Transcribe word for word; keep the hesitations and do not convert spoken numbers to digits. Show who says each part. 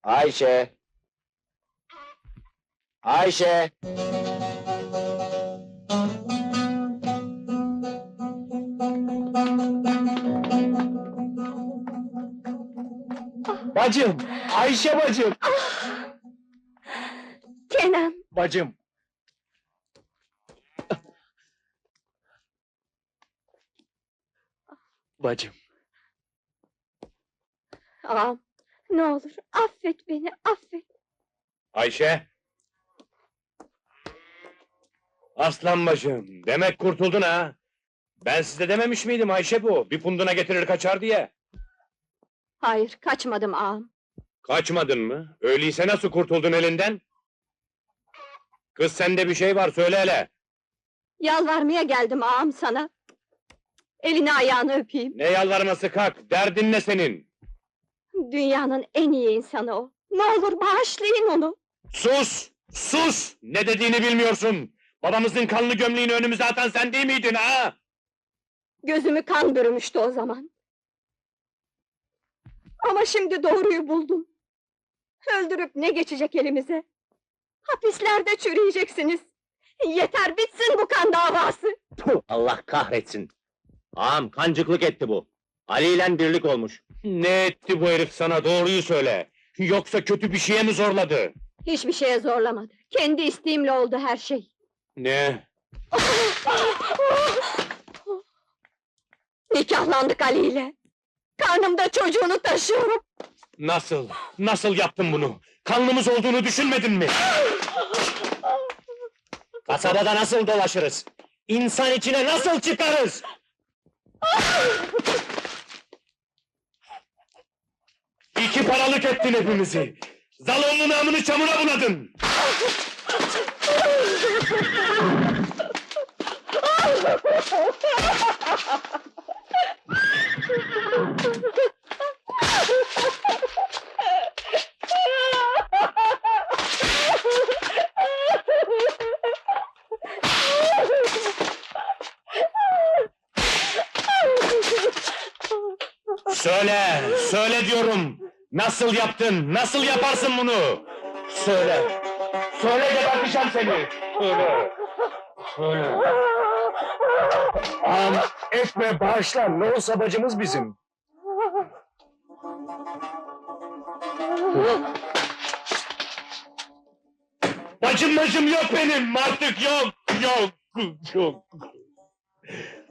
Speaker 1: Ayşe! Ayşe! Bacım! Ayşe bacım!
Speaker 2: Kenan,
Speaker 1: Bacım! Bacım!
Speaker 2: ağam, ne olur affet beni, affet.
Speaker 3: Ayşe! Aslan bacım, demek kurtuldun ha! Ben size dememiş miydim Ayşe bu, bir punduna getirir kaçar diye?
Speaker 2: Hayır, kaçmadım ağam.
Speaker 3: Kaçmadın mı? Öyleyse nasıl kurtuldun elinden? Kız sende bir şey var, söyle hele!
Speaker 2: Yalvarmaya geldim ağam sana. Elini ayağını öpeyim.
Speaker 3: Ne yalvarması kalk, derdin ne senin?
Speaker 2: Dünyanın en iyi insanı o. Ne olur bağışlayın onu.
Speaker 3: Sus! Sus! Ne dediğini bilmiyorsun! Babamızın kanlı gömleğini önümüze atan sen değil miydin ha?
Speaker 2: Gözümü kan bürümüştü o zaman. Ama şimdi doğruyu buldum. Öldürüp ne geçecek elimize? Hapislerde çürüyeceksiniz. Yeter bitsin bu kan davası.
Speaker 1: Puh, Allah kahretsin! Ağam kancıklık etti bu. Ali ile birlik olmuş.
Speaker 3: Ne etti bu herif sana, doğruyu söyle! Yoksa kötü bir şeye mi zorladı?
Speaker 2: Hiçbir şeye zorlamadı. Kendi isteğimle oldu her şey.
Speaker 3: Ne?
Speaker 2: Nikahlandık Ali ile. Karnımda çocuğunu taşıyorum.
Speaker 3: Nasıl? Nasıl yaptın bunu? Kanlımız olduğunu düşünmedin mi?
Speaker 1: Kasabada nasıl dolaşırız? İnsan içine nasıl çıkarız?
Speaker 3: İki paralık ettin hepimizi! Zalonlu namını çamura buladın! Söyle, söyle diyorum! Nasıl yaptın, nasıl yaparsın bunu? Söyle, söyle geberteceğim seni! Söyle, söyle!
Speaker 1: Ağam etme bağışla, ne olsa bacımız bizim.
Speaker 3: Bacım bacım yok benim, artık yok, yok, yok!